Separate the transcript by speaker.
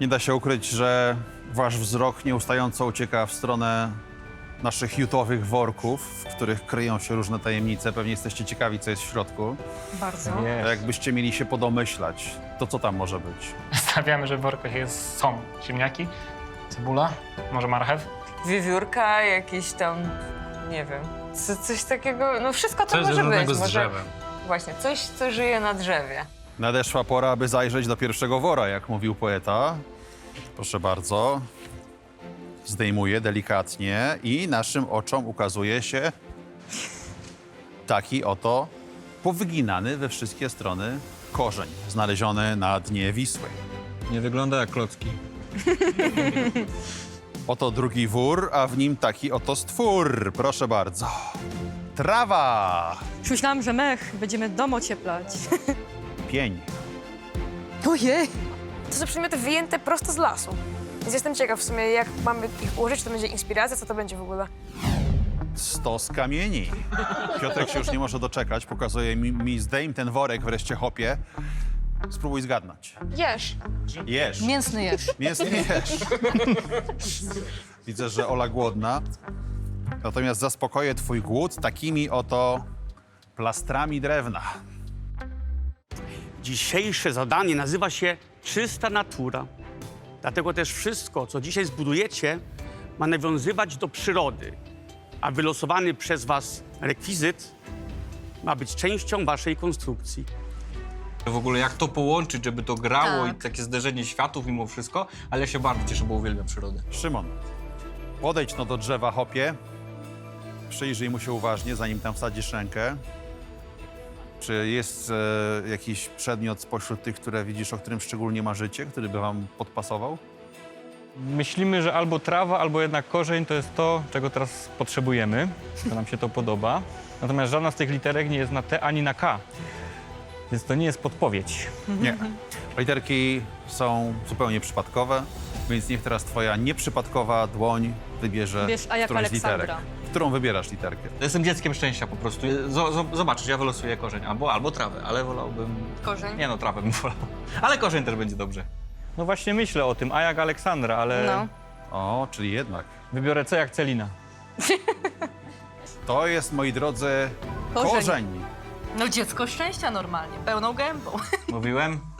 Speaker 1: Nie da się ukryć, że wasz wzrok nieustająco ucieka w stronę naszych jutowych worków, w których kryją się różne tajemnice. Pewnie jesteście ciekawi, co jest w środku.
Speaker 2: Bardzo.
Speaker 1: A jakbyście mieli się podomyślać, to co tam może być?
Speaker 3: Stawiamy, że w workach są ziemniaki, cebula, może marchew.
Speaker 2: Wiewiórka, jakiś tam, nie wiem, coś takiego, no wszystko to
Speaker 3: Coś
Speaker 2: może
Speaker 3: związanego
Speaker 2: być.
Speaker 3: z drzewem.
Speaker 2: Właśnie, coś, co żyje na drzewie.
Speaker 1: Nadeszła pora, aby zajrzeć do pierwszego wora, jak mówił poeta. Proszę bardzo. Zdejmuję delikatnie i naszym oczom ukazuje się taki oto powyginany we wszystkie strony korzeń znaleziony na dnie Wisły.
Speaker 4: Nie wygląda jak klocki.
Speaker 1: Oto drugi wór, a w nim taki oto stwór. Proszę bardzo. Trawa,
Speaker 5: Już myślałam, że mech, będziemy dom ocieplać.
Speaker 1: pień,
Speaker 5: Ojej!
Speaker 6: To są przedmioty wyjęte prosto z lasu. Więc jestem ciekaw w sumie, jak mamy ich ułożyć, czy to będzie inspiracja, co to będzie w ogóle.
Speaker 1: stos kamieni. Piotrek się już nie może doczekać, pokazuje mi zdejm ten worek wreszcie, chopie. Spróbuj zgadnąć.
Speaker 6: Jesz.
Speaker 1: Jesz.
Speaker 5: Mięsny jesz.
Speaker 1: Mięsny jesz. Widzę, że Ola głodna. Natomiast zaspokoję twój głód takimi oto plastrami drewna.
Speaker 7: Dzisiejsze zadanie nazywa się Czysta Natura. Dlatego też wszystko, co dzisiaj zbudujecie, ma nawiązywać do przyrody, a wylosowany przez was rekwizyt ma być częścią waszej konstrukcji.
Speaker 4: W ogóle jak to połączyć, żeby to grało
Speaker 5: Tak.
Speaker 4: i takie zderzenie światów mimo wszystko, ale ja się bardzo cieszę, bo uwielbiam przyrodę.
Speaker 1: Szymon, podejdź no do drzewa, chopie. Przyjrzyj mu się uważnie, zanim tam wsadzisz rękę. Czy jest jakiś przedmiot spośród tych, które widzisz, o którym szczególnie marzycie, który by wam podpasował?
Speaker 3: Myślimy, że albo trawa, albo jednak korzeń to jest to, czego teraz potrzebujemy, to nam się to podoba. Natomiast żadna z tych literek nie jest na T ani na K, więc to nie jest podpowiedź.
Speaker 1: Nie. Literki są zupełnie przypadkowe, więc niech teraz twoja nieprzypadkowa dłoń wybierze
Speaker 5: Wiesz, a jak
Speaker 1: którąś z literek.
Speaker 5: Aleksandra.
Speaker 1: Którą wybierasz literkę?
Speaker 4: Jestem dzieckiem szczęścia po prostu. Zobaczysz, ja wylosuję korzeń albo trawę, ale wolałbym...
Speaker 5: Korzeń?
Speaker 4: Nie no, trawę bym wolał. Ale korzeń też będzie dobrze.
Speaker 3: No właśnie myślę o tym, a jak Aleksandra, ale
Speaker 5: No.
Speaker 1: O, czyli jednak.
Speaker 3: wybiorę C jak Celina.
Speaker 1: To jest, moi drodzy,
Speaker 5: Korzeń.
Speaker 1: korzeń.
Speaker 5: No dziecko szczęścia normalnie, pełną gębą.
Speaker 4: Mówiłem?